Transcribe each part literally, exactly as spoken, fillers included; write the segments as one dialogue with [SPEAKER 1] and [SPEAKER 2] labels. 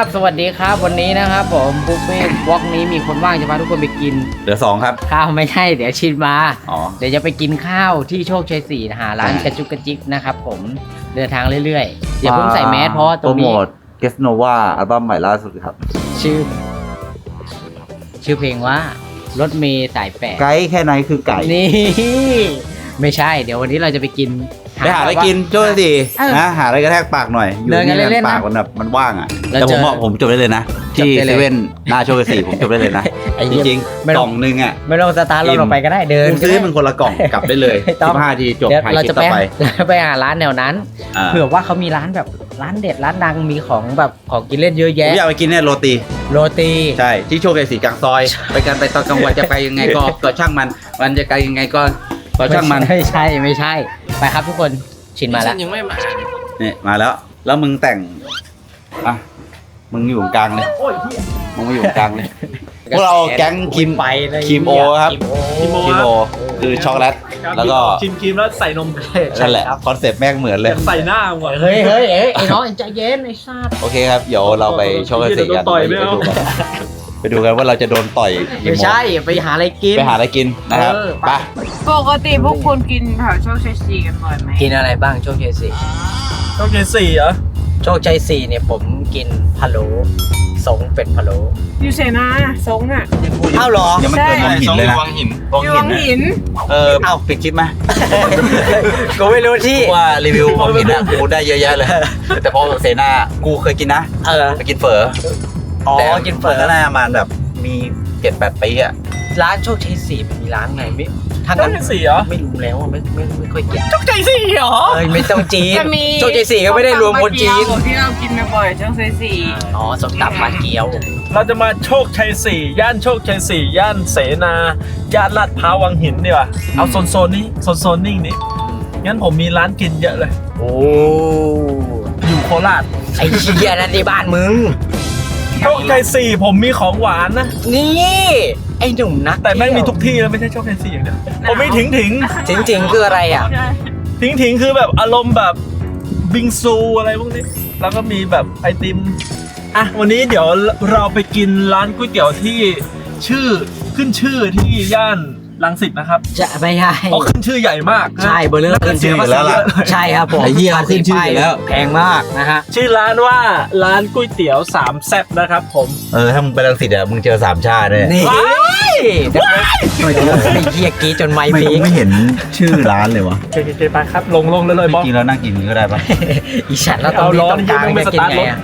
[SPEAKER 1] ครับสวัสดีครับวันนี้นะครับผมบุฟเฟ่ต์วอล์กนี้มีคนว่างจะพาทุกคนไปกิน
[SPEAKER 2] เหลือสองครับ
[SPEAKER 1] ข้าวไม่ใช่เดี๋ยวชินมา
[SPEAKER 2] อ๋อ
[SPEAKER 1] เดี๋ยวจะไปกินข้าวที่โชคชัยสี่หาร้านกระจุกกระจิกนะครับผมเดินทางเรื่อยๆอย่าเพิ่งใส่แมสเพราะตรงนี้
[SPEAKER 2] โปรโมทเกสโนวาอัลบั้มใหม่ล่าสุดครับ
[SPEAKER 1] ชื่อชื่อเพลงว่ารถเมย์สายแปด
[SPEAKER 2] ไกด์แค่ไหนคือไก่
[SPEAKER 1] นี่ไม่ใช่เดี๋ยววันนี้เราจะไปกิน
[SPEAKER 2] ไปหาอะไรกินโจ้สินะหาอะไรกระแทกปากหน่อยอยู่นี่ปากมันแบบมันว่างอ่ะแต่ผมบอกผมจบได้เลยนะที่เซเว่นหน้าโชคชัยสี่ผมจบได้เลยนะจริงๆกล่องนึงอ่ะ
[SPEAKER 1] ไม่ต้องสตาร์ทรถออกไปก็ได้เดิน
[SPEAKER 2] ซื้อเป็นคนละกล่องกลับได้เลยสิบห้าทีจบถ่ายคลิปต่อไป
[SPEAKER 1] ไปหาร้านแนวนั้นเผื่อว่าเขามีร้านแบบร้านเด็ดร้านดังมีของแบบของกินเล่นเยอะแยะ
[SPEAKER 2] ผมอยากไปกินเนี่ยโรตี
[SPEAKER 1] โรตี
[SPEAKER 2] ใช่ที่โชคชัยสี่กลางซอยไปกันไปตอนกลางวันจะไปยังไงก็ก็ช่างมันมันจะไกลยังไงก็ก็ช่างมัน
[SPEAKER 1] ไม่ใช่ไม่ใช่ไปครับทุกคนชินมาแล้ว
[SPEAKER 3] ยังไม่มา
[SPEAKER 2] เนี่ยมาแล้วแล้วมึงแต่งอ่ะมึงอยู่ตรงกลางเลยมึงมาอยู่ตรงกลางเลยพวกเราแก๊งคิม
[SPEAKER 1] ไป
[SPEAKER 2] คิมโอครับคิมโอคือช็อกโกแลตแล้วก็
[SPEAKER 3] ชิมครีมแล้วใส่นม
[SPEAKER 2] นั่นแหละคอนเซ็ปต์แม่งเหมือนเลย
[SPEAKER 3] ใส่หน้าหมด
[SPEAKER 1] เฮ้ยเฮ้ยเอ้ยไอ้น้องใจเย็นไอ้ซาด
[SPEAKER 2] โอเคครับเดี๋ยวเราไปช็อกโกแลตสีกันไปดูกันว่าเราจะโดนต่อย
[SPEAKER 1] ไม่ใช่ไปหาอะไรกิน
[SPEAKER 2] ไปหาอะไรกินนะครับไป
[SPEAKER 4] ปกติพวกคุณกินแถวโชคชัยสี่กันบ่อยไหม
[SPEAKER 1] กินอะไรบ้างโชคชัยสี่
[SPEAKER 3] โชคชัยสี่เหรอ
[SPEAKER 1] โชคชัยสี่เนี่ยผมกินพะโล้สงเป็ดพะโล้
[SPEAKER 4] อยู่เสนาสงอ่ะ
[SPEAKER 1] อ้าวหรอ
[SPEAKER 2] ยังไม่เกินวังหินเลยนะ
[SPEAKER 3] วังหิน
[SPEAKER 4] วังหิน
[SPEAKER 2] เออเอ้าปิดคลิปไหม
[SPEAKER 1] กูไม่รู้ที่
[SPEAKER 2] ว่ารีวิววังหินอ่ะกูได้เยอะแยะเลยแต่พอเสนากูเคยกินนะ
[SPEAKER 1] เออ
[SPEAKER 2] ไปกินเฝอ
[SPEAKER 1] อ๋อกินเฝอ
[SPEAKER 2] ก็น่ามันแบบมีเจ็ดแปดปีอ่ะ
[SPEAKER 1] ร้านโชคชัยสี่มีร้านไหนไม่
[SPEAKER 3] ทางนั้นสี่เหรอ
[SPEAKER 1] ไม่รู้แล้วไม่ไม่ไม่ค่อยกิน
[SPEAKER 3] โชคชัยสี่เหรอ
[SPEAKER 1] เอ้ยไม่ต้องจีนโชคชัยสี่ก็ไม่ได้รวมคนจีน
[SPEAKER 4] ที่เรากินบ่อยโชคชัยสี่
[SPEAKER 1] อ๋อสมตำปลาเกี๊ยว
[SPEAKER 3] เราจะมาโชคชัยสี่ย่านโชคชัยสี่ย่านเสนาย่านลาดพร้าววังหินดีกว่าเอาโซนโซนนี้โซนโซนนิ่งนี้งั้นผมมีร้านกินเยอะเลย
[SPEAKER 1] โอ้
[SPEAKER 3] อยู่โคราช
[SPEAKER 1] ไอ้เหี้ยนั่นที่บ้านมึง
[SPEAKER 3] โชคชัยสี่ผมมีของหวานนะ
[SPEAKER 1] นี่ไอ้หนุ่มนัก
[SPEAKER 3] แต่แม่งมีทุกที่แล้วไม่ใช่โชคชัยสี่อย่างเดียวผมมีถิงถิง
[SPEAKER 1] ถิงถิงคืออะไรอ่ะ
[SPEAKER 3] ถิงถิงคือแบบอารมณ์แบบบิงซูอะไรพวกนี้แล้วก็มีแบบไอติมอ่ะวันนี้เดี๋ยวเราไปกินร้านก๋วยเตี๋ยวที่ชื่อขึ้นชื่อที่ย่านรังสิตนะครับ
[SPEAKER 1] จะไม่ใช่
[SPEAKER 3] เขาขึ้นชื่อใหญ่มาก
[SPEAKER 1] ใช่เบอร์เริ่มขึ้นชื่อแล้วล่ะใช่ครับผม
[SPEAKER 2] ไอ้เหี้ยขึ้นชื่อแล้ว
[SPEAKER 1] แพงมากนะฮะ
[SPEAKER 3] ชื่อร้านว่าร้านก๋วยเตี๋ยวสามแซ่บนะครับผม
[SPEAKER 2] เออถ้ามึงไปรังสิตอ่ะมึงเจอสามชาติเลย
[SPEAKER 1] นี่ไอ้เหี้ยกี้จนไม่พี
[SPEAKER 2] ไม่เห็นชื่อร้านเลยวะ
[SPEAKER 3] โอเคไปครับลงลงเลยเลยบอส
[SPEAKER 2] จริงแล้วนั่งกินก็ได้ปะ
[SPEAKER 1] อีฉันแล้วตอนนี้ต้องการจะกินไง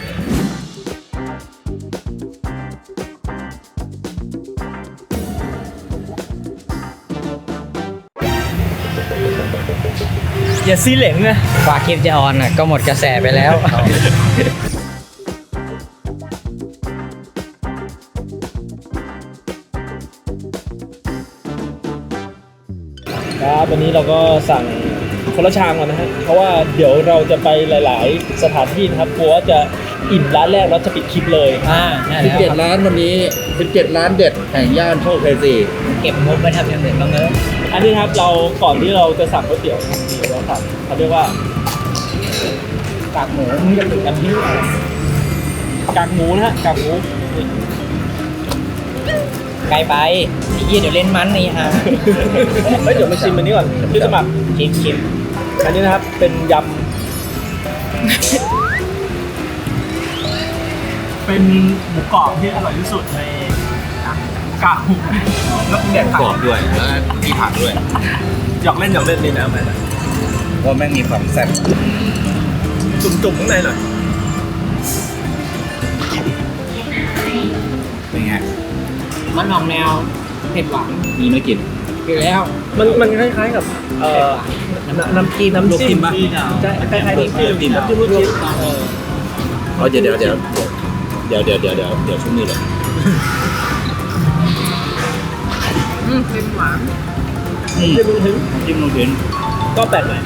[SPEAKER 3] อย่าซีเหลงนะ
[SPEAKER 1] ฝากคลิปจะออนอ่ะก็หมดกระแสไปแล้ว
[SPEAKER 3] ครับวันนี้เราก็สั่งคนละชามก่อนนะฮะเพราะว่าเดี๋ยวเราจะไปหลายๆสถานที่นะครับกลัวว่าจะอิ่มร้านแรกแล้วจะปิดคลิปเลย
[SPEAKER 1] อ่า
[SPEAKER 2] สิบเจ็ดร้านวันนี้สิบเจ็ดร้านเด็ดแห่งย่านโชคชัยสี่
[SPEAKER 1] เก็บงบไว้ทำอย่างอื่นบ้างเนอะ
[SPEAKER 3] อันนี้ครับเราก่อนที่เราจะสั่งก๋วยเตี๋ยวเดี๋ยวเราสั่งเขาเรียกว่ากากหมูมึงจะถึงกันที่กากหมูนะฮะกากหมู
[SPEAKER 1] ไกลไปไอ้เหี้ยเดี๋ยวเล่นมันนี่ฮะ
[SPEAKER 3] เฮ้ยเดี๋ยวมาชิมอันนี้ก่อนพี่สมัคร
[SPEAKER 1] ชิมชิม
[SPEAKER 3] อันนี้นะครับเป็นยำเป็นหมูกรอบที่อร่อยที่สุดในกากหมูแล้วแดก
[SPEAKER 2] กรอบด้วยแล้วมีผักด้วย
[SPEAKER 3] หยอกเล่นหยอกเล่นนี่นะแม่
[SPEAKER 2] เพราะแม่งมีความแซ่บ
[SPEAKER 3] จุ่มๆข้างในหน่อย
[SPEAKER 2] เป็นไง
[SPEAKER 1] มันออกแนวเผ็ดหวาน
[SPEAKER 2] มีไม่กิน
[SPEAKER 1] กินแล้ว
[SPEAKER 3] มันมันคล้ายๆกับเอ่อน้ำจิ้มน้ำจิ้มใช่คล้ายๆน้ำจิ้มน้ำจิ้มลูกชิ้น
[SPEAKER 2] เออเดี๋ยวเดี๋ยวเดี๋ยวเดี๋ยวเดี๋ยวเดี๋ยวเดี๋ยวเดี๋ยวชุ่มนี่เลย
[SPEAKER 4] อืมเค็มหวาน
[SPEAKER 3] จิ้มลูกชิ้น
[SPEAKER 2] จิ้มลูกชิ้น
[SPEAKER 3] ก็แปลกใหม่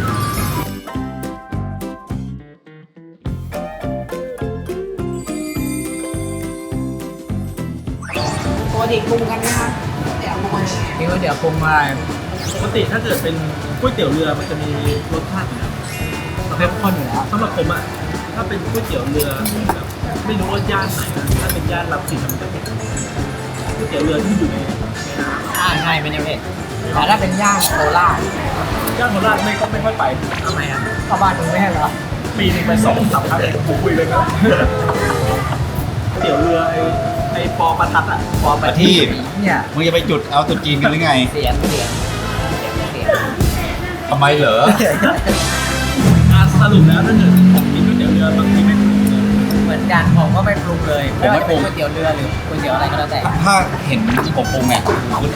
[SPEAKER 4] ปกติปรุงกันไหมคะเดี๋ยวปรุง
[SPEAKER 1] นี่ก็เดี๋ยวปรุงมา
[SPEAKER 3] ปกติถ้าเกิดเป็นก๋วยเตี๋ยวเรือมันจะมีรสชาติประเภทข้นอยู่แล้วสำหรับผมอ่ะถ้าเป็นก๋วยเตี๋ยวเรือแบบไม่รู้ว่าย่านไหนนะถ้าเป็นย่านรับสินมันจะเป็นก๋วยเตี๋ยวเรือที่อยู่ในน้
[SPEAKER 1] ใช่ใช่เป็นยังไงแต่ถ้าเป็นย่างโคราช
[SPEAKER 3] ำย่านโคราชไม่ก็ไม่ค่อยไป
[SPEAKER 1] ทำไมอ่ะเข้าบ้านมึงไม่ให้เหรอ
[SPEAKER 3] ปีนึงไปสองสามครั้งผมคุยเลยครับก๋วยเตี๋ยวเรือไอ้ไอ้ปอประทัดอ่ะ
[SPEAKER 1] พอไปที่เนี่ย
[SPEAKER 2] มึงจะไปจุดเอาตุดจีนกันหรือไง
[SPEAKER 1] เสียงเสียงเสียงเสียง
[SPEAKER 2] ทำไมเหรอ
[SPEAKER 3] อ่ะสรุปแล้วถ้าเกิดผมกินก๋วยเตี๋ยวเรือบางทีไม่ถูกเลย
[SPEAKER 1] เหมือนกันผมก็ไม่ปรุงเลยไม่ว่าจะเป็นก๋วยเตี๋ยวเรือหรือก๋วยเตี๋ยวอะไรก็แล้วแต่
[SPEAKER 2] ถ้าเห็นผมปรุงเนี่ยคุณ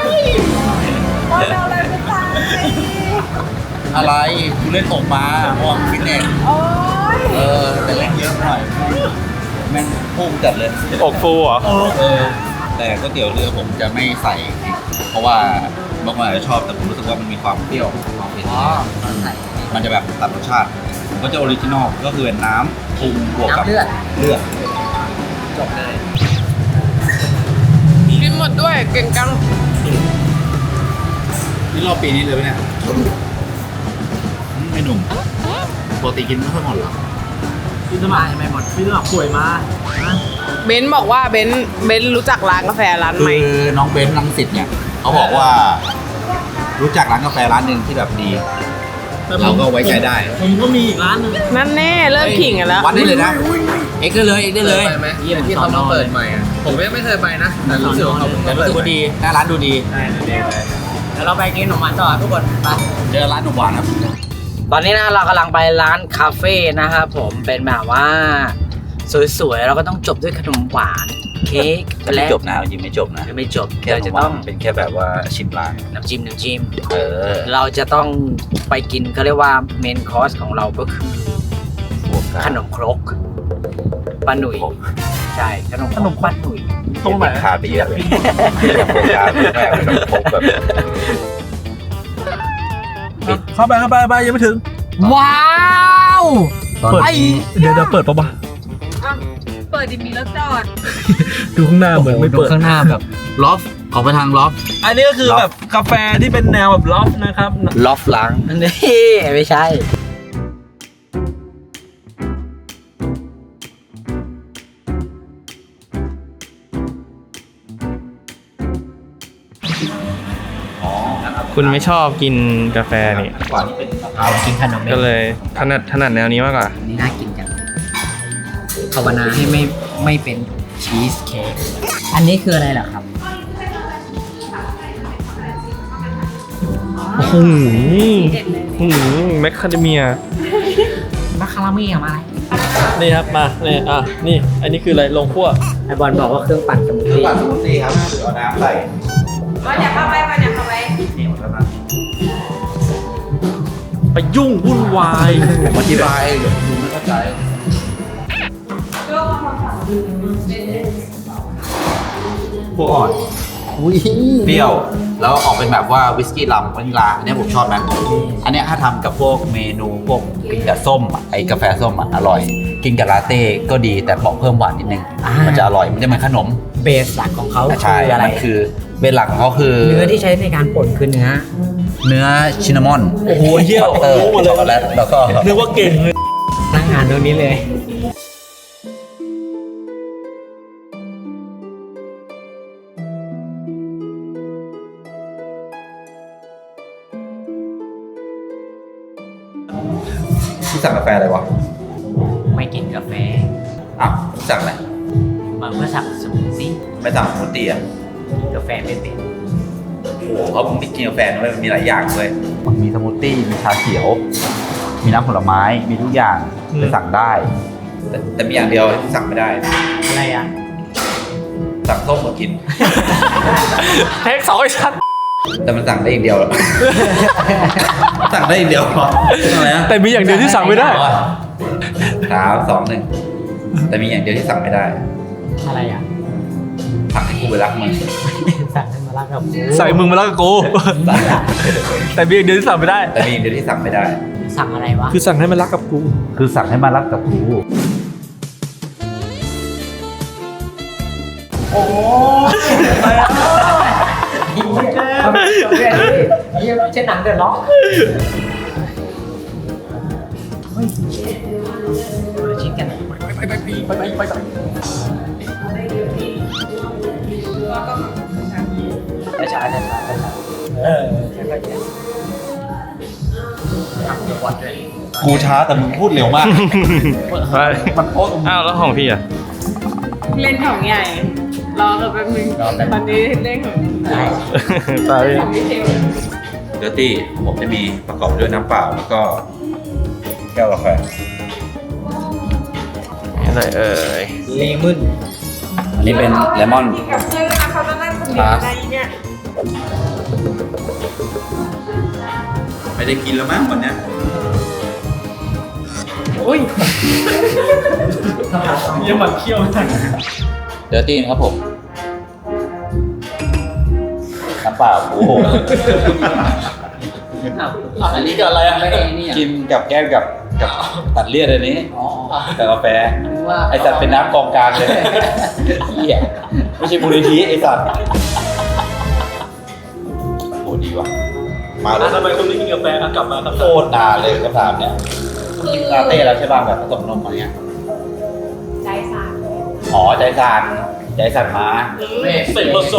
[SPEAKER 2] อะไรคุณเล่นตกมาหอมฟิตเนสเออแต่เล่นเยอะหน่อยแม่งพุ่งจัดเลย
[SPEAKER 3] อกฟูเหรอ
[SPEAKER 2] เออแต่ก๋วยเตี๋ยวเรือผมจะไม่ใส่พริกเพราะว่าบางคนอาจจะชอบแต่ผมรู้สึกว่ามันมีความเปรี้ยวความเผ็ด
[SPEAKER 1] อ๋อใส่
[SPEAKER 2] มันจะแบบตัดรสชาติผมก็จะออริจินอลก็คือเป็นน้ำปรุงบวกกับ
[SPEAKER 1] น้ำเลือด
[SPEAKER 2] เลือด
[SPEAKER 1] จบเลย
[SPEAKER 4] กินหมดด้วยเก่งจัง
[SPEAKER 2] นี่รอบปีนี้เลยไหมเนี่ยไม่หนุ่มปกติกินไม่ค่อยหมดหรอ
[SPEAKER 3] พี่สมัคร
[SPEAKER 1] ไม่หมด
[SPEAKER 3] พี่สมัครป่วยมานะ
[SPEAKER 4] เบนซ์บอกว่าเบนซ์เบนซ์รู้จักร้านกาแฟร้าน
[SPEAKER 2] คื
[SPEAKER 4] ใหม่
[SPEAKER 2] อน้องเบนซ์ลังสิตเนี่ยเขาบอกว่า รู้จักร้านกาแฟร้านหนึ่งที่แบบดี เราก็ไว้ใจได้
[SPEAKER 3] ผมก็มีอีกร้านหนึง
[SPEAKER 4] นั่นแน่เริ่มขิงกันแล้ว
[SPEAKER 2] วัดได้เลยนะเอ็กซ์ได้เลยเอ็กซ์ได้เลย
[SPEAKER 1] ไปไหมที่เขามาเปิดใหม่อ่ะผมยังไม่เคยไปนะแต่รู้สึกว่าเขา
[SPEAKER 2] แต่รู้สึกว่าดีหน้าร้านดูดี
[SPEAKER 1] เดี๋ยวเราไปกินขนมหวานต่อทุกคนไป
[SPEAKER 2] เจอร้านหนุ่มหวานครับ
[SPEAKER 1] ตอนนี้นะเรากำลังไปร้านคาเฟ่นะครับผมเป็นแบบว่า สวยๆเราก็ต้องจบด้วยขนมหวานเค้ก
[SPEAKER 2] ไม่
[SPEAKER 1] และ
[SPEAKER 2] จบนะจริงไม่จบนะ
[SPEAKER 1] ไม่จบ
[SPEAKER 2] แค่
[SPEAKER 1] เรา
[SPEAKER 2] ขน
[SPEAKER 1] จะ
[SPEAKER 2] มหวา
[SPEAKER 1] ต้อน ง
[SPEAKER 2] เป็นแค่แบบว่าชิมร้าน
[SPEAKER 1] น้ำจิ้มน้ำจิ้ม
[SPEAKER 2] เออ
[SPEAKER 1] เราจะต้องไปกินเขาเรียกว่าเมนคอร์สของเราก็คือ
[SPEAKER 2] บวกกัน
[SPEAKER 1] ขนมครกป้าหนุ่ยใช่ขนมขนมป้าหนุ่ย
[SPEAKER 3] ตรงไหน
[SPEAKER 2] ขาดไปเยอะเลยอยากโฟกัสแม่ขนมครกแบบ
[SPEAKER 3] เข้าไปเข้าไปไปยังไม่ถึง
[SPEAKER 1] ว้าว
[SPEAKER 3] เปิด
[SPEAKER 1] ไอ้
[SPEAKER 3] เดี๋ยวเดี๋ยวเปิดปะวะ
[SPEAKER 4] เปิดดิมีรถจอด
[SPEAKER 3] ดูข้างหน้าเหมือนไม่เปิด
[SPEAKER 1] ข้างหน้าแบบ
[SPEAKER 2] ลอฟออกไปทางลอฟ
[SPEAKER 3] อันนี้ก็คือแบบกาแฟที่เป็นแนวแบบลอฟนะครับ
[SPEAKER 2] ลอฟล้าง
[SPEAKER 1] นี่ไม่ใช่
[SPEAKER 5] คุณไม่ชอบกินกาแฟนี่
[SPEAKER 2] กว่านี้เป็นมะพร้า
[SPEAKER 1] เอา
[SPEAKER 2] ว
[SPEAKER 1] กินขนม
[SPEAKER 5] ก็เลยถนัดถนัดแนวนี้มากกว่า
[SPEAKER 1] นี่น่ากินจังภาวนาให้ไม่ไม่เป็นชีสเค้กอันนี้คืออะไรเหรอครับ
[SPEAKER 5] โอ้โหโอ้โหแมคคาเดเมีย
[SPEAKER 1] มาคาราเมลมาอะไร
[SPEAKER 3] นี่ครับมานี่อ่ะนี่อันนี้คืออะไรลงคั่ว
[SPEAKER 1] ไอบอลบอกว่าเครื่องปั่นสมูทตี้
[SPEAKER 2] ปั่นสมูทตี้ครับเอาน้ำใส่
[SPEAKER 4] มาอยากเข้าไปมาอยากเข้าไป
[SPEAKER 2] เหนียวแล้วนะ
[SPEAKER 3] ไปยุ่งวุ่นวาย
[SPEAKER 2] ผมอธิบายเดี๋ยวคุณดูไม่เข้าใจพวกอ่อน
[SPEAKER 1] อุ้ย
[SPEAKER 2] เปรี้ยว แล้วออกเป็นแบบว่าวิสกี้ลัมวานิลาอันนี้ผมชอบนะอันเนี้ยถ้าทำกับพวกเมนูพวกกินกับส้มอะไอ้กาแฟส้มอ่ะอร่อย กินกับลาเต้ก็ดีแต่บอกเพิ่มหวานนิดนึง มันจะอร่อยมันจะเหมือนขนม
[SPEAKER 1] เบสหลักของเขา
[SPEAKER 2] ใช่
[SPEAKER 1] คืออะไร
[SPEAKER 2] มันคือเบนหลักของเขาคือ
[SPEAKER 1] เนื้อที่ใช้ในการป่นคือเนื้อ
[SPEAKER 2] เนื้อชินนามอน
[SPEAKER 3] โอ้โหเหี้ย
[SPEAKER 2] เออ
[SPEAKER 3] รู้หมดเลย
[SPEAKER 2] ช็อกโกแลตแล้วก็
[SPEAKER 3] นึกว่าเก่งเลย
[SPEAKER 1] นั่งอ่านตรงนี้เลย
[SPEAKER 2] ที่สั่งกาแฟอะไรวะ
[SPEAKER 1] ไม่กินกาแฟ
[SPEAKER 2] อ้าวสั่งอะไร
[SPEAKER 1] มันก็สั่งสมูทตี้
[SPEAKER 2] ไม่สั่งสมูทตี้อ่ะ
[SPEAKER 1] กาแฟไม่เป็น
[SPEAKER 2] โอ้โหเขาบอกไม่กินกาแฟด้วยมันมีหลายอย่างเลยมันมีสมูทตี้มีชาเขียว มีน้ำผลไม้มีทุกอย่างไปสั่งได้ แต่แต่มีอย่างเดียวที่สั่งไม่ได้
[SPEAKER 1] อะไรอ่ะ
[SPEAKER 2] สั่งส้มมากิน
[SPEAKER 3] เทคสองไอ้ชัด
[SPEAKER 2] แต่มันสั่งได้อย่างเดียว สั่งได้อย่างเดียวเหรออะไรนะ
[SPEAKER 3] แต่มีอย่างเดียวที่สั่งไม่ได้
[SPEAKER 2] สามสองหนึ่งแต่มีอย่างเดียวที่สั่งไม่ได้
[SPEAKER 1] อะไรอ่ะ
[SPEAKER 2] สั่งให้กูไปรักมึง
[SPEAKER 1] สั่งให้มารักกับกู
[SPEAKER 3] ใส่มึงมาแล้วกับกู แต่มีอย่างเดียวที่สั่งไม่ได้
[SPEAKER 2] แต่มีอย่างเดียวที่สั่งไม่ได้
[SPEAKER 1] สั่งอะไรวะ
[SPEAKER 3] คือสั่งให้มันรักกับกู
[SPEAKER 2] คือสั่งให้มารักกับกู
[SPEAKER 1] เช่นหนังเดือดร้อนชิ้นกันไปไปไปไปไปไปช้าช้าช้าช้าช้าเออช้าช้าช้าทำเดี๋ยววัดเลย
[SPEAKER 2] กูช้าแต่มึงพูดเร็วมาก มันโอ้
[SPEAKER 5] อ้าวแล้วของพี่อ่ะ
[SPEAKER 4] เล่นของใหญ่ รอกันแป๊บนึงตอนนี้เล่นของ
[SPEAKER 1] ได้
[SPEAKER 5] ตาย
[SPEAKER 4] ของพี่เทล
[SPEAKER 2] เดอร์ตี้ผมจะมีประกอบด้วยน้ำเปล่าแล้วก็แก้วกาแฟ
[SPEAKER 5] อะไรเอ่ย
[SPEAKER 1] เลมอน
[SPEAKER 2] อันนี้เป็นเลมอน
[SPEAKER 4] กับเพื่อนเขาจะนั่งคนเดียวในเนี่ย
[SPEAKER 2] ไม่ได้กินแล้วมั้งวันเนี้ย
[SPEAKER 1] อุ้ย
[SPEAKER 3] ยังหมันเคี้ยวไม่ทัน
[SPEAKER 2] เดอร์ตี้นะครับผมน้ำเปล่าโอ้โห
[SPEAKER 1] อันนี้ก็อะไรอ่ะไม่ได้นี่อ่ะ
[SPEAKER 2] กินกับแก้มกับกับตัดเลี่ยนอันนี้
[SPEAKER 1] อ๋อ
[SPEAKER 2] กับกาแฟ
[SPEAKER 1] ว่า
[SPEAKER 2] ไอสัตว์เป็นน้ำกองกลางเลยเหี้ยไม่ใช่มูลนิธิไอสัตว์โหดีว่ะมาเลย
[SPEAKER 3] ทำไมคุณไม่กินกาแฟอ่ะกลับมาครับ
[SPEAKER 2] โคตรนานเลยคำถามเนี้ยคุณกินลาเต้แล้วใช่ป่ะแบบผสมนมอะไรเงี้ย
[SPEAKER 4] ใจสั่น
[SPEAKER 2] อ๋อใจสั่นใจสั่นมา
[SPEAKER 3] เสกโลโซ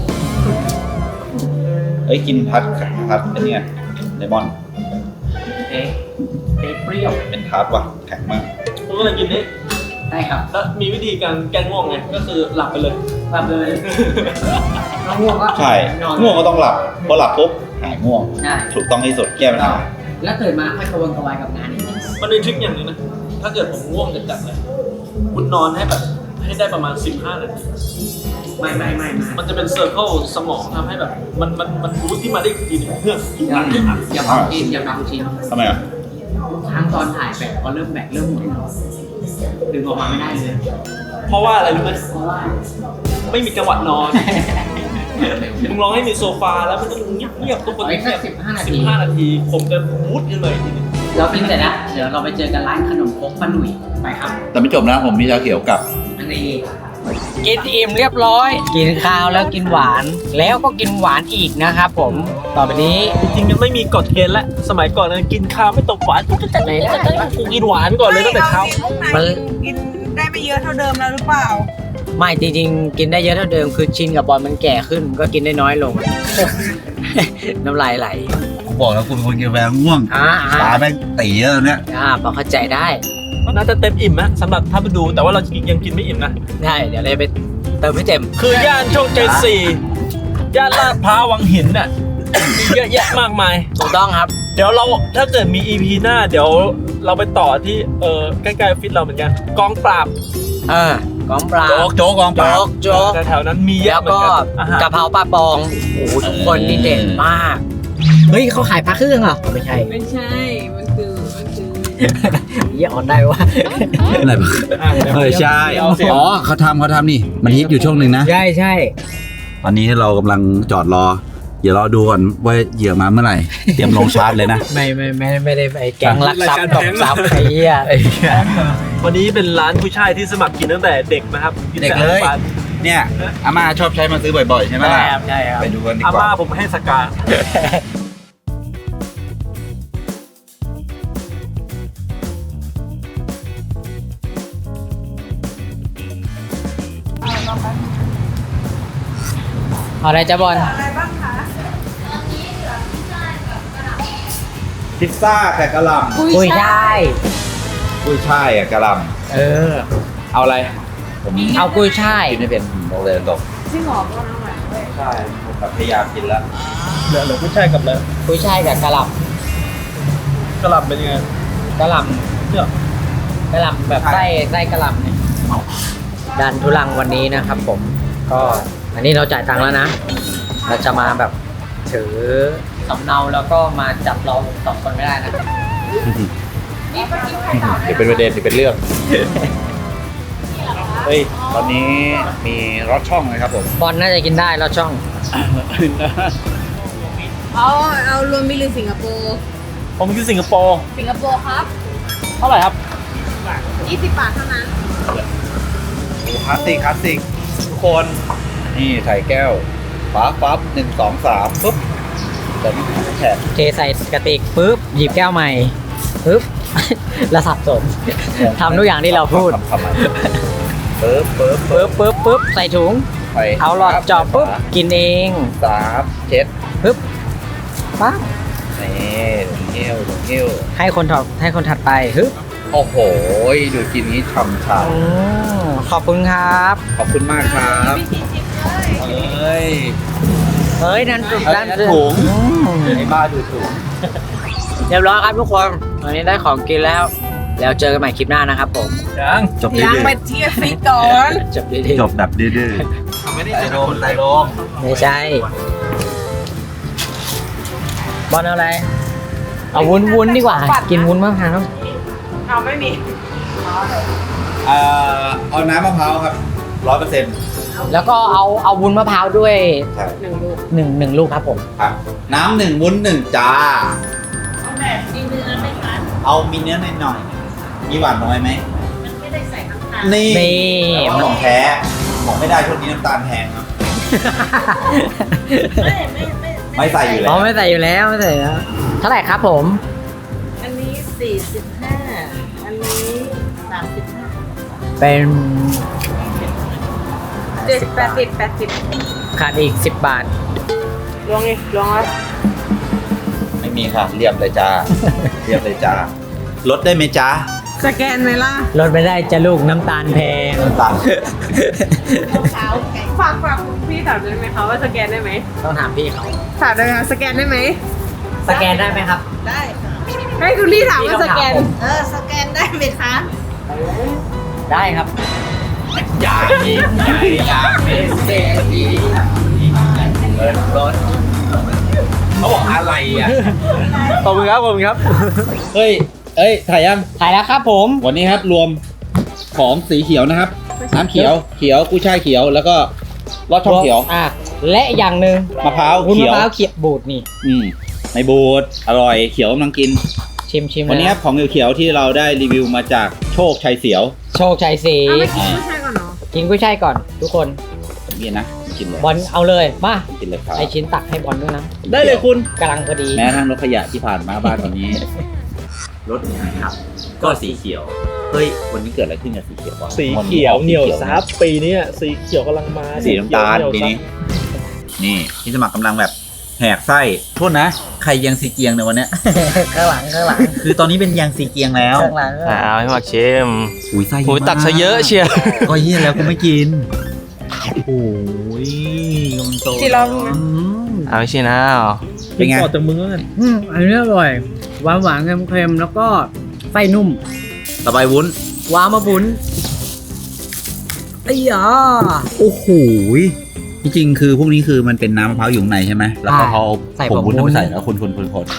[SPEAKER 2] เอ้ยกินพัดพัดอันเนี้ยเลมอน
[SPEAKER 1] เอ๊ะเอ๊ะเปรี้ยว
[SPEAKER 2] เป็นทาร์ตว่ะแข็งมาก
[SPEAKER 3] ผมก็เลยกินนี่
[SPEAKER 1] ได้ครับ
[SPEAKER 3] แล้วมีวิธีการแก้ง่วงไงก็คือหลับไปเลย
[SPEAKER 1] หลับเลยน้องง่วงก็
[SPEAKER 2] ใช่
[SPEAKER 1] นอน
[SPEAKER 2] ง่วงก็ต้องหลับพอหลับปุ๊บหายง่วง
[SPEAKER 1] ใช่
[SPEAKER 2] ถูกต้องที่สุดแก้ปัญหา
[SPEAKER 1] แล้วตื่นมาค่อยกระวนกระวายกับงานนิดนึง
[SPEAKER 3] มันเป็นทริคอย่างหนึงนะถ้าเกิดผมง่วงจัดๆเลยคุณนอนให้แบบให้ได้ประมาณสิบห้านาที
[SPEAKER 1] ไม่ไม่ไม่ไม่
[SPEAKER 3] มันจะเป็นเซอร์เคิลสมองทำให้แบบมันมันมันบูสต์ที่มาได้อีกทีหนึงเพื่ออีก
[SPEAKER 1] อย่า
[SPEAKER 3] อันหนึ่งอ่ะ
[SPEAKER 1] อย่าพังชินอย่าพังชิน
[SPEAKER 2] ทำไมอ่ะ
[SPEAKER 1] ทั้งตอนถ่ายแบตก็เริ่มแบตเริ่มหมดดึงออกมาไม่ได้เลย
[SPEAKER 3] เพราะว่าอะไรรู้ไหม
[SPEAKER 1] เพราะว่า
[SPEAKER 3] ไม่มีจังหวะนอน มึงลองให้มีโซฟาแล้วมันต้องเงียบๆทุกคน
[SPEAKER 1] เอาอีกสั
[SPEAKER 3] เงี
[SPEAKER 1] ก
[SPEAKER 3] ยบ
[SPEAKER 1] สิบห้านา
[SPEAKER 3] สิ
[SPEAKER 1] ที
[SPEAKER 3] บห้านาทีผมจะบูสต์ขึ้นมาอีกทีหนึง
[SPEAKER 1] เรากินเสร็จแล้วเดี๋ยวเราไปเจอกันร้านขนมครกป้าหนุ่ยไปครับ
[SPEAKER 2] แต่ไม่จบนะผมมีชาเขียวกับ
[SPEAKER 1] อันนี้กินอิ่มเรียบร้อย กินข้าวแล้วกินหวาน แล้วก็กินหวานอีกนะครับผมต่อไปนี้
[SPEAKER 3] จริงๆมันไม่มีกฎเกณฑ์และสมัยก่อนนะกินข้าวไม่ตกหวานกูจะจัดไหนกูกินหวานก่อนเลยตั้งแต่เช้า
[SPEAKER 1] มัน
[SPEAKER 4] กินได้ไม่เยอะเท่าเดิมแล้วหรือเปล่า
[SPEAKER 1] ไม่จริงๆ กินได้เยอะเท่าเดิมคือชินกับบอลมันแก่ขึ้นก็กินได้น้อยลง น้ำลายไหล
[SPEAKER 2] ผมบอกแล้วคุณคนกินกาแฟง่วง
[SPEAKER 1] อ่า
[SPEAKER 2] ตาแม่งตีแล้วเนี่ย
[SPEAKER 1] อ่าพอเข้าใจได้
[SPEAKER 3] ก็น่าจะเต็มอิ่มนะสำหรับถ้าไปดูแต่ว่าเรายังกินไม่อิ่มนะ
[SPEAKER 1] ได้เดี๋ยวเราไปเติมให้เต็ม
[SPEAKER 3] คือย่านโชคชัยสี่ย่านลาดพร้าววังหินน่ะมีเยอะแยะมากมาย
[SPEAKER 1] ถูกต้องครับ
[SPEAKER 3] เดี๋ยวเราถ้าเกิดมี อี พี หน้า เดี๋ยวเราไปต่อที่เออใกล้ๆออฟฟิศเราเหมือนกันกองปราบ
[SPEAKER 1] เออกองปลา
[SPEAKER 2] โจ๊กโจ๊กกองปรา
[SPEAKER 1] โจ๊
[SPEAKER 2] บ
[SPEAKER 1] กโจ๊ก
[SPEAKER 3] แถวๆนั้นมีเย
[SPEAKER 1] แล้
[SPEAKER 3] อะ
[SPEAKER 1] ว
[SPEAKER 3] เหมือ
[SPEAKER 1] ก็
[SPEAKER 3] นกันอาหาร
[SPEAKER 1] กะเพราปลาปองโอ้โหทุกคนนี่เด่นมาก เฮ้ยเขาขายพระเครื่องเหรอไม่ใช่
[SPEAKER 4] ไม่ใช่ มันคือ มันคือ
[SPEAKER 1] เยี่ยอ่อนได้วะ
[SPEAKER 2] อะไรบ้างเออใช่ อ๋อเขาทำเขาทำนี่ มันฮิตอยู่ช่วงหนึ่งนะ
[SPEAKER 1] ใช่ใช่
[SPEAKER 2] ตอนนี้เรากำลังจอดรอ เดี๋ยวรอดูก่อนว่าเหยื่อมาเมื่อไหร่ เตรียมลงชาร์จเลยนะ
[SPEAKER 1] ไม่ไม่ไม่ไม่ได้ไปแกงลักทรัพย์ตบทรัพย์ไอ้เหี้ย
[SPEAKER 3] วันนี้เป็นร้านผู้ชายที่สมัครกินตั้งแต่เด็กนะครับน
[SPEAKER 2] เด็กเลย
[SPEAKER 3] แต่อาหาร
[SPEAKER 2] เนี่ยอาม่าชอบใช้มาซื้อบ่อยๆ ใช่ไหม
[SPEAKER 1] ใช่
[SPEAKER 2] ล่ะ
[SPEAKER 1] ครับใช่ครับ
[SPEAKER 2] ไปดูกันดี
[SPEAKER 3] อาก
[SPEAKER 2] ว่า
[SPEAKER 3] ม่าผมให้สกา
[SPEAKER 1] เอาอะไรจ้าบอล
[SPEAKER 4] อะไรบ้างคะ
[SPEAKER 2] พิซซ่าแต่กะหล่ำ
[SPEAKER 1] กุ้ยช่าย
[SPEAKER 2] กุ้ยช่ายอะกะหล่
[SPEAKER 1] เออ
[SPEAKER 2] ำเอาอะไร ผม
[SPEAKER 1] เอากุ้ยช่าย
[SPEAKER 2] กินไม่เป็นบอกเลยตรง
[SPEAKER 4] ที่หอมก็น้ำหวานด้วย
[SPEAKER 2] ใช่ผมแบบพยายามกินแล้ว
[SPEAKER 3] เหลือเหลือผู้ชายกับแล้ว
[SPEAKER 1] กุ้ยช่ายกับกะหล่
[SPEAKER 3] กระหล่ำเป็นยังไง
[SPEAKER 1] ำกะหล่
[SPEAKER 3] เนี่ย
[SPEAKER 1] ำกะหล่ำแบบไส้ไส้กะหล่ำเนี่ยดันทุลังวันนี้นะครับผม ก็อันนี้เราจ่ายตังค์แล้วนะ เราจะมาแบบถือสำเนาแล้วก็มาจับเราสองคนไม่ได้นะ
[SPEAKER 2] ถือเป็นประเด็นถือเป็นเรื่อง เฮ้ย ตอนนี้มีรถช่องเลยครับผม
[SPEAKER 1] บอลน่าจะกินได้แล้วช่อง
[SPEAKER 4] เอาเอารวมมิลลิสิงคโปร์
[SPEAKER 3] ผมคือสิงคโปร์
[SPEAKER 4] สิงคโปร์ครับ
[SPEAKER 3] เท่าไหร่ครับ
[SPEAKER 4] ยี่สิบบาทเท่านั้น
[SPEAKER 2] คลาสสิกคลาสสิกทุกคนนี่ใส่แก้วฟ้าฟับหนึ่งสองสามปุ๊บแต่นี่แฉะ
[SPEAKER 1] เทใส่กระติกปุ๊บหยิบแก้วใหม่ปุ๊บและสับสนทำทุกอย่างที่เราพูด
[SPEAKER 2] ทำทำไมเปิ๊บเปิ๊บ
[SPEAKER 1] ปึ๊บปึ๊บปึ๊บใส่ถุง
[SPEAKER 2] ไป
[SPEAKER 1] เอาหลอดเจอบปุ๊บกินเอง
[SPEAKER 2] สามเจ็ด
[SPEAKER 1] ปึ๊บปั๊บ
[SPEAKER 2] นี่เงี้ยวเงี้ยว
[SPEAKER 1] ให้คนถัดให้คนถัดไปฮึบ
[SPEAKER 2] โอ้โหดูกินนี้ฉ่ำฉ่
[SPEAKER 1] อืมขอบคุณครับ
[SPEAKER 2] ำขอบคุณมากครับเฮ้ย
[SPEAKER 1] เฮ้ยนั่นจุด
[SPEAKER 2] เอ้ย
[SPEAKER 1] นั่น
[SPEAKER 2] นั่น
[SPEAKER 1] คือ
[SPEAKER 2] ถุง
[SPEAKER 1] อืม
[SPEAKER 2] ไอ้บ้าดูถูก
[SPEAKER 1] เรียบร้อยครับทุกคนวันนี้ได้ของกินแล้ว แล้วเจอกันใหม่คลิปหน้านะครับผม
[SPEAKER 3] ยัง
[SPEAKER 2] จบ
[SPEAKER 4] ยัง
[SPEAKER 2] ดื้อ
[SPEAKER 4] ไปเที่ยวฟิตก่อน
[SPEAKER 1] จบดี
[SPEAKER 2] ๆจบแบบดื้อ
[SPEAKER 3] ไม่ได้เจอคนไทยลง
[SPEAKER 1] ๆไม่ใช่บอลเอาอะไรเอาวุ้นวุ้นดีกว่า กินวุ้นมะพร้าว
[SPEAKER 4] เอาไม่มี
[SPEAKER 2] ๆเอ่อเอาน้ำมะพร้าวครับร้อยเปอร์เซ็นต์
[SPEAKER 1] แล้วก็เอาเอาวุ้นมะพร้าวด้วย
[SPEAKER 2] ใช่
[SPEAKER 4] หนึ่งลูก
[SPEAKER 1] หนึ่งหนึ่งลูกครับผม
[SPEAKER 2] ครับน้ำหนึ่งวุ้นหนึ่งจ้า
[SPEAKER 4] แบบมีเนื้อไหมคะ
[SPEAKER 2] เอามีเนื้อหน่อยหน่อยๆมีหวานน้อยไหม
[SPEAKER 4] มันไม่ได้ใส่น้ำตาล
[SPEAKER 2] นี่
[SPEAKER 1] นี่
[SPEAKER 2] มันของแท้บอกไม่ได้ช่วงนี้น้ำตาลแพงครับ
[SPEAKER 4] ไม่ไม่ไม่
[SPEAKER 2] ไม่ใส่อยู่แล้
[SPEAKER 1] อ๋อ
[SPEAKER 2] ว
[SPEAKER 1] ไม่ใส่อยู่แล้วไม่ใส่อยู่แล้ว เท่าไหร่ครับผม
[SPEAKER 4] อันนี้สี่สิบห้าอันนี้สามสิบห้า
[SPEAKER 1] เป็น
[SPEAKER 4] เจ็ดแปดสิบแปดสิบ
[SPEAKER 1] ขาดอีกสิบบาท
[SPEAKER 4] ลวงไงลวงแล้ว
[SPEAKER 2] ไม่มีค่ะเรียบเลยจ้า เรียบเลยจ้าลดได้ไหมจ้า
[SPEAKER 4] สแกนไหมล่ะ
[SPEAKER 1] ลดไม่ได้จะลูกน้ำตาลแพง
[SPEAKER 2] น้ำตาล
[SPEAKER 4] เช้าฝากฝากพี่ถามได้ไหมคะว่าสแกนได้ไหม
[SPEAKER 1] ต้องถามพี่เขา
[SPEAKER 4] ถามได้ไหมคะสแกนได้ไหม
[SPEAKER 1] สแกนได้ไหมครับ
[SPEAKER 6] ได้ค่ะ
[SPEAKER 4] ให้คุณลี่ถามว่าสแกน
[SPEAKER 1] พี่ต้องถามผม
[SPEAKER 6] เออ สแกนได้ไหมคะ
[SPEAKER 1] ได้ครับ
[SPEAKER 2] อย่ายิงใหญ่อยากเป็นเศรษฐีเงินรถเขาบอกอะไรอ่ะ
[SPEAKER 3] ขอบคุณครับขอบคุณครับ
[SPEAKER 2] เฮ้ย เอ้ย ถ่ายยัง
[SPEAKER 1] ถ่ายแล้วครับผม
[SPEAKER 2] วันนี้ครับรวมของสีเขียวนะครับ น้ำเขียว เขียว กุ้ยช่ายเขียว แล้วก็ลอดช่องเขียว
[SPEAKER 1] อ่ะและอย่างหนึ่ง
[SPEAKER 2] มะพร้าว
[SPEAKER 1] วุ้น
[SPEAKER 2] เขี
[SPEAKER 1] มะ
[SPEAKER 2] ยว
[SPEAKER 1] พร้าวเขียวบูดนี่
[SPEAKER 2] อืมในบูดอร่อย เขียวกำลังกิน
[SPEAKER 1] ชิมชิม
[SPEAKER 2] วันนี้ค
[SPEAKER 1] เลย
[SPEAKER 2] รับของเขียวๆที่เราได้รีวิวมาจากโชคชัยเสียว
[SPEAKER 1] โชคชัยสี
[SPEAKER 4] เอาไปกินผู้ชายก่อนเนาะ
[SPEAKER 1] กินกุ้ยช่ายก่อน ทุกคน
[SPEAKER 2] นี่นะ กินเลย
[SPEAKER 1] บอลเอาเลยมา
[SPEAKER 2] กินเลยครับ
[SPEAKER 1] ไอชิ้นตักให้บอลด้วยนะ
[SPEAKER 3] ได้เลยคุณ
[SPEAKER 1] กำลังพอดี
[SPEAKER 2] แม้ทั้งรถขยะที่ผ่านมาบ้านวันนี้ รถครับ ก็สีเขียว เฮ้ย วันนี้เกิดอะไรขึ้นกับสีเขียววะ
[SPEAKER 3] สีเขียวเหนียวซับปีนี้สีเขียวกำลังมา
[SPEAKER 2] สีน้ำตาล
[SPEAKER 3] เขียว
[SPEAKER 2] ปี
[SPEAKER 3] เหยวซับ
[SPEAKER 2] นี้ นี่ที่สมัครกำลังแบบแหกไส้ โทษนะ ใครยังสีเกียงในยวันเนี้ย
[SPEAKER 1] ข้างหลังข้างหลัง
[SPEAKER 2] คือตอนนี้เป็นยังสีเกียงแล้ว
[SPEAKER 1] ข้างหลัง
[SPEAKER 5] อ่าเอาให้หมักชิม
[SPEAKER 2] อุ้ยไส้เย
[SPEAKER 5] หู
[SPEAKER 2] อะ
[SPEAKER 5] ตักซะเยอะเชียร์
[SPEAKER 2] ก็เยี่ยแล้วกูไม่กิน โอ้ยกำลังโต
[SPEAKER 4] จีรอบรู้ไหม
[SPEAKER 1] อืม
[SPEAKER 5] เอาไม่ใช่นะเอา
[SPEAKER 2] เป็นไง
[SPEAKER 3] ต่อจากมึงแล้วกัน
[SPEAKER 1] อืมอันนี้อร่อยหวานหวานๆเค็มๆแล้วก็ไส้นุ่ม
[SPEAKER 2] ต่อไปวุ้น
[SPEAKER 1] วามาบุญไอ้ยา
[SPEAKER 2] โอ้โหยจริงๆคือพวกนี้คือมันเป็นน้ำมะพร้าวอยู่ข้างในใช่ไหม แล้วก็เขาผงวุ้นเอาไปใส่แล้วคนคนคนคน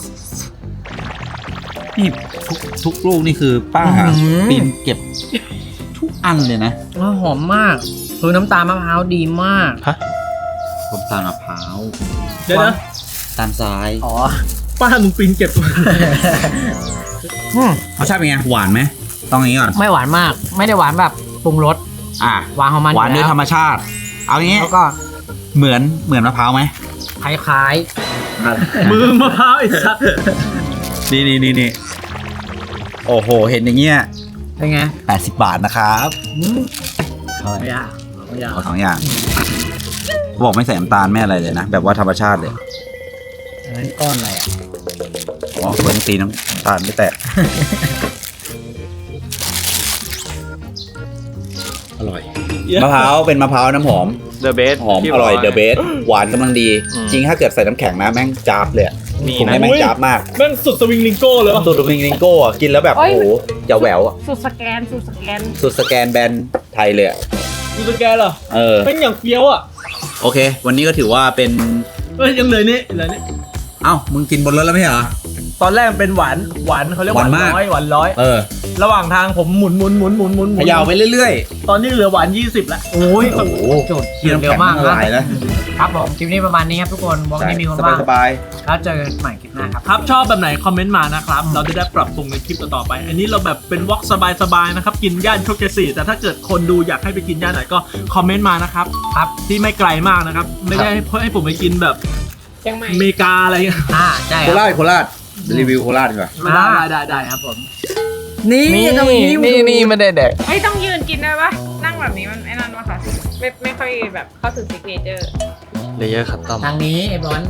[SPEAKER 2] นี่ทุกทุกลูกนี่คือป้าปีนเก็บทุกอันเลยนะ
[SPEAKER 1] ว้าหอมมากคือน้ำตาลมะพร้าวดีมาก
[SPEAKER 2] ผมตาลมะพร้าว
[SPEAKER 3] เดี๋ยวนะ
[SPEAKER 2] ตาลทราย
[SPEAKER 1] อ๋อ
[SPEAKER 3] ป้ามึงปีนเก็บ
[SPEAKER 1] อืม
[SPEAKER 2] รสชาติเป็นไงหวานไหมต้องอย่างนี้ก่อน
[SPEAKER 1] ไม่หวานมาก ไม่ได้หวานแบบปรุงรส
[SPEAKER 2] อ่ะ
[SPEAKER 1] หวานของมัน
[SPEAKER 2] หวานด้วยธรรมชาติ เอาอย่างนี้
[SPEAKER 1] แล้วก็
[SPEAKER 2] เหมือนเหมือนมะพร้าวไหม
[SPEAKER 1] คล้าย
[SPEAKER 3] มือมะพร้าวไอ้สัส
[SPEAKER 2] นี่นี่นี่นี่โอ้โห เห็นอย่างเงี้ย
[SPEAKER 1] ๆเป็นไง
[SPEAKER 2] แปดสิบบาทนะครับ
[SPEAKER 1] อืม
[SPEAKER 2] เท่าไหร่
[SPEAKER 1] ไม่ยากไม่ยาก
[SPEAKER 2] เอาสองอย่างบอกไม่ใส่น้ำตาลไม่อะไรเลยนะ แบบว่าธรรมชาติเลย
[SPEAKER 1] อันนั้นก้อนอะไรอ่ะ
[SPEAKER 2] อ๋อคนตีน้ำตาลไม่แตะ อร่อย มะพร้าวเป็นมะพร้าวน้ำหอม
[SPEAKER 5] เดอะเบส
[SPEAKER 2] หอมอร่อยเดอะเบสหวานกำลังดี
[SPEAKER 5] อืม
[SPEAKER 2] จริงถ้าเกิดใส่น้ำแข็งนะแม่งจาบเลยอะ
[SPEAKER 5] มี
[SPEAKER 2] ผม
[SPEAKER 5] นะ
[SPEAKER 2] ให้แม่งจาบมาก
[SPEAKER 3] แม่งสุดสวิงลิงโก้เลยวะ
[SPEAKER 2] สูตรมิงลิงโก้อะกินแล้วแบบโอ้โหจะแหววอะ
[SPEAKER 4] สูตรสแกนสูตรสแกน
[SPEAKER 2] สุดสแกนแบรนด์ไทยเลยอะ
[SPEAKER 3] ดูสแกนเหรอ
[SPEAKER 2] เออ
[SPEAKER 3] เป็นอย่างเฟี้ยวอ่ะ
[SPEAKER 2] โอเค วันนี้ก็ถือว่าเป็น
[SPEAKER 3] เอ้ยยังเหลือนี่เหลือนี่
[SPEAKER 2] เอ้ามึงกินบนรถแล้วไม่ใช่เหรอ
[SPEAKER 3] ตอนแรกมันเป็นหวานหวานเขาเรียกหวาน
[SPEAKER 2] หวานมาก
[SPEAKER 3] ร้อยหวานร้อย
[SPEAKER 2] เออ
[SPEAKER 3] ระหว่างทางผมหมุนหมุนหมุนหมุนหมุนหมุ
[SPEAKER 2] เข
[SPEAKER 3] น
[SPEAKER 2] ยาวไปเรื่อย
[SPEAKER 3] ตอนนี้เหลือหวานยี่สิบแล้ว
[SPEAKER 1] โอ้ย
[SPEAKER 2] ๆ โอ้โห
[SPEAKER 1] จุด
[SPEAKER 2] เคี่ยว
[SPEAKER 1] เร็วมาก
[SPEAKER 2] ละลาย
[SPEAKER 1] นะ
[SPEAKER 2] แล้ว
[SPEAKER 1] ครับผมคลิปนี้ประมาณนี้ครับทุกคนบอกนี่มีคน
[SPEAKER 2] ส
[SPEAKER 1] บ้าง
[SPEAKER 2] บาย
[SPEAKER 1] แล้วเจอกันใหม่คลิปหน้าครับ
[SPEAKER 3] ครับชอบแบบไหนคอมเมนต์มานะครับ เราจะได้ปรับปรุงในคลิปต่อๆไป อันนี้เราแบบเป็นวอล์กสบายๆนะครับ กินย่านโชคชัยสี่แต่ถ้าเกิดคนดูอยากให้ไปกินย่านไหนก็คอมเมนต์มานะครับครับที่ไม่ไกลมากนะครับ ไม่ได้ให้ให้ผมไปกินแบบ
[SPEAKER 4] เชียงใหม่
[SPEAKER 3] อเมริกาอะไรเงี้ย
[SPEAKER 1] อ่าใช่
[SPEAKER 2] ๆ
[SPEAKER 1] ค
[SPEAKER 2] โครา
[SPEAKER 1] รับ
[SPEAKER 2] ชโคราชรีวิวโคราชดีกว่า
[SPEAKER 1] ได้ได้ได้ครับผม นี่
[SPEAKER 5] นี่
[SPEAKER 1] ต้องยิ้ม
[SPEAKER 5] นี่นี่ไม่ได้แดก
[SPEAKER 4] ไม่ต้องยืนกินได้ปะนั่งแบบนี้มันไอ้นั่นวะค่ะไม่ไม่ค่อยแบบเข้าถึงซิกเนเจอร์
[SPEAKER 5] เลเยอร์คัตตอม
[SPEAKER 1] ทางนี้ไอ้บอล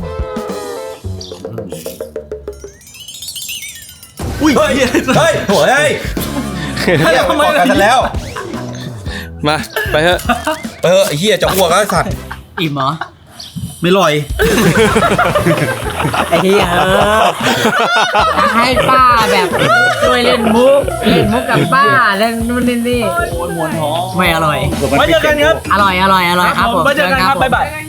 [SPEAKER 3] อุ้ยเฮ้ยเฮ้ยโหย
[SPEAKER 2] เฮียไปบอกกันแล้ว
[SPEAKER 5] มาไปเถอะ
[SPEAKER 2] เออไอ้เฮียจะอ้วกแล้วไอ้สัตว์
[SPEAKER 1] อิ่มเหรอ
[SPEAKER 2] ไม่ลอย
[SPEAKER 1] ไอ้เหี้ยเออให้ป้าแบบช่วยเล่นมุกเล่นมุกกับป้าเล่นนู่นนี่นี่
[SPEAKER 3] มวนท้อง
[SPEAKER 1] ไม่อร่อย
[SPEAKER 3] ไว้เจอกันครับ
[SPEAKER 1] อร่อยอร่อยอร่อยครับผม
[SPEAKER 3] ไว้เจอกันครับ
[SPEAKER 1] ผม
[SPEAKER 3] บ๊ายบาย
[SPEAKER 4] ไปกัน